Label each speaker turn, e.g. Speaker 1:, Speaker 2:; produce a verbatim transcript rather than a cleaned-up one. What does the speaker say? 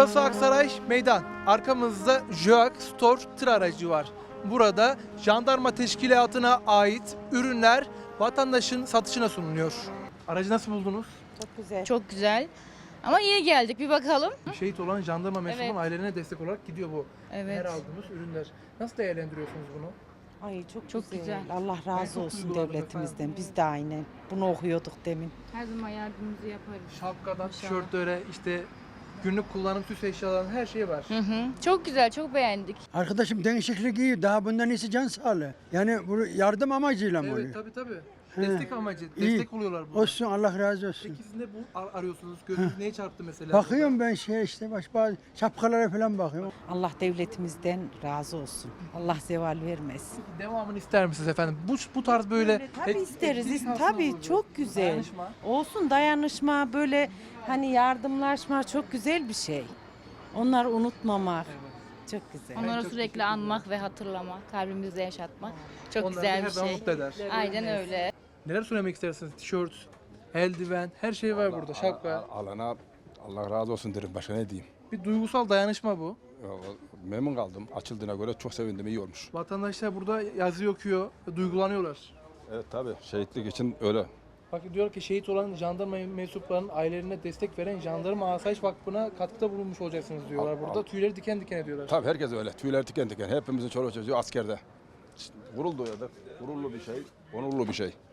Speaker 1: Burası Aksaray Meydan. Arkamızda JÖAK Store tır aracı var. Burada jandarma teşkilatına ait ürünler vatandaşın satışına sunuluyor. Aracı nasıl buldunuz?
Speaker 2: Çok güzel.
Speaker 3: Çok güzel. Ama iyi geldik, bir bakalım.
Speaker 1: Şehit olan jandarma mensubunun
Speaker 3: Evet.
Speaker 1: ailelerine destek olarak gidiyor bu
Speaker 3: Evet.
Speaker 1: her aldığımız ürünler. Nasıl değerlendiriyorsunuz bunu?
Speaker 2: Ay çok,
Speaker 3: Çok
Speaker 2: güzel.
Speaker 3: güzel.
Speaker 2: Allah
Speaker 1: Ben
Speaker 2: razı
Speaker 1: çok
Speaker 2: olsun
Speaker 1: duygulandım
Speaker 2: devletimizden.
Speaker 1: efendim.
Speaker 2: Biz de aynen bunu okuyorduk demin.
Speaker 3: Her zaman yardımımızı yaparız.
Speaker 1: Şapkadan,
Speaker 3: İnşallah.
Speaker 1: tişörtlere, işte günlük kullanım süs eşyalarının her şeyi var.
Speaker 3: Hı hı. Çok güzel, çok beğendik.
Speaker 4: Arkadaşım değişiklik iyi. Daha bundan iyisi can sağlığı. Yani bu yardım amacıyla mı
Speaker 1: Evet
Speaker 4: oluyor?
Speaker 1: tabii tabii.
Speaker 4: He.
Speaker 1: Destek amacı,
Speaker 4: İyi.
Speaker 1: destek oluyorlar burada.
Speaker 4: Olsun, Allah razı olsun.
Speaker 1: Peki siz ne bu ar- arıyorsunuz? Gözünüz neye çarptı mesela?
Speaker 4: Bakıyorum ben şey işte baş bazı şapkalara falan bakıyorum.
Speaker 2: Allah devletimizden razı olsun. Allah zeval vermesin.
Speaker 1: Devamını ister misiniz efendim? Bu bu tarz böyle
Speaker 2: Tabii
Speaker 1: et-
Speaker 2: isteriz.
Speaker 1: etkinlik
Speaker 2: is-
Speaker 1: aslında
Speaker 2: Tabii
Speaker 1: olur.
Speaker 2: çok güzel.
Speaker 1: Dayanışma.
Speaker 2: Olsun dayanışma böyle hani yardımlaşma çok güzel bir şey. Onları unutmamak çok güzel.
Speaker 1: Ben
Speaker 3: Onları
Speaker 1: çok
Speaker 3: sürekli
Speaker 1: teşekkür
Speaker 3: anmak ve hatırlamak, kalbimizde yaşatmak çok
Speaker 1: Onları
Speaker 3: güzel
Speaker 1: her
Speaker 3: bir
Speaker 1: zaman
Speaker 3: şey.
Speaker 1: mutlu eder.
Speaker 3: Aynen öyle.
Speaker 1: Neler söylemek istersiniz? Tişört, eldiven, her şey var burada. Şapka.
Speaker 5: Al- Alana Allah razı olsun derim. Başka ne diyeyim?
Speaker 1: Bir duygusal dayanışma bu.
Speaker 5: Ya, memnun kaldım. Açıldığına göre çok sevindim. İyi olmuş.
Speaker 1: Vatandaşlar burada yazı okuyor, duygulanıyorlar.
Speaker 5: Evet tabii. Şehitlik için öyle.
Speaker 1: Bak diyor ki şehit olan jandarma mensuplarının ailelerine destek veren Jandarma Asayiş Vakfı'na katkıda bulunmuş olacaksınız diyorlar.
Speaker 5: Al-
Speaker 1: Burada
Speaker 5: al.
Speaker 1: tüyleri diken diken ediyorlar.
Speaker 5: Tabii herkes öyle. Tüyler diken diken. Hepimizin çoluk çocuğu askerde. Gurur duyuyorduk. Gururlu bir şey. Onurlu bir şey.